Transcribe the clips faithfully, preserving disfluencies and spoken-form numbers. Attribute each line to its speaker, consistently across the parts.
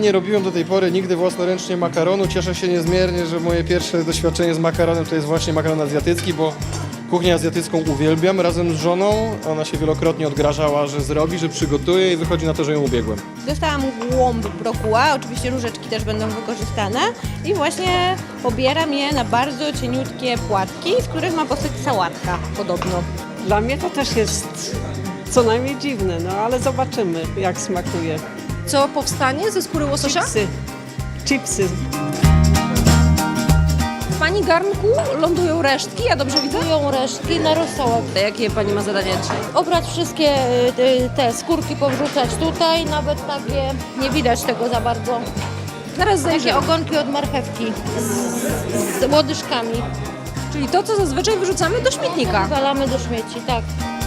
Speaker 1: Nie robiłem do tej pory nigdy własnoręcznie makaronu. Cieszę się niezmiernie, że moje pierwsze doświadczenie z makaronem to jest właśnie makaron azjatycki, bo kuchnię azjatycką uwielbiam razem z żoną. Ona się wielokrotnie odgrażała, że zrobi, że przygotuje i wychodzi na to, że ją ubiegłem.
Speaker 2: Dostałam głąb brokuła, oczywiście różeczki też będą wykorzystane i właśnie pobieram je na bardzo cieniutkie płatki, z których ma powstać sałatka podobno.
Speaker 3: Dla mnie to też jest co najmniej dziwne, no ale zobaczymy, jak smakuje.
Speaker 4: Co powstanie ze skóry łososia?
Speaker 3: Chipsy. Chipsy.
Speaker 4: W Pani garnku lądują resztki, ja dobrze widzę?
Speaker 5: Lądują resztki na rosołek.
Speaker 4: Jakie Pani ma zadanie dzisiaj?
Speaker 5: Obrać wszystkie y, te skórki, powrzucać tutaj, nawet takie, nie widać tego za bardzo.
Speaker 4: Zaraz
Speaker 5: Takie
Speaker 4: zajrzymy.
Speaker 5: ogonki od marchewki z, z łodyżkami.
Speaker 4: Czyli to, co zazwyczaj wyrzucamy do śmietnika.
Speaker 5: Walamy do śmieci, tak.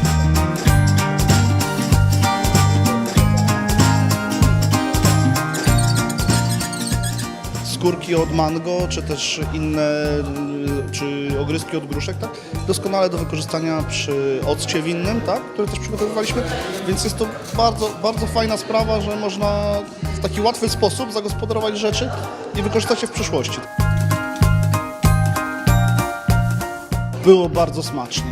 Speaker 6: Skórki od mango, czy też inne, czy ogryzki od gruszek, tak? Doskonale do wykorzystania przy occie winnym, tak? Który też przygotowywaliśmy, więc jest to bardzo, bardzo fajna sprawa, że można w taki łatwy sposób zagospodarować rzeczy i wykorzystać je w przyszłości. Było bardzo smacznie.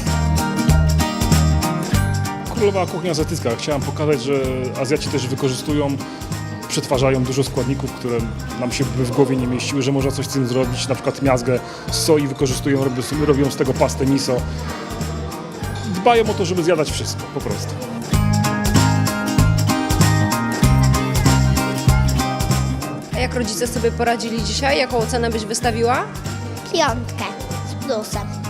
Speaker 7: Królowa kuchnia azjatycka. Chciałem pokazać, że Azjaci też wykorzystują, przetwarzają dużo składników, które nam się by w głowie nie mieściły, że można coś z tym zrobić, na przykład miazgę z soi wykorzystują, robią, robią z tego pastę miso. Dbają o to, żeby zjadać wszystko, po prostu.
Speaker 4: A jak rodzice sobie poradzili dzisiaj? Jaką ocenę byś wystawiła?
Speaker 8: Piątkę z plusem.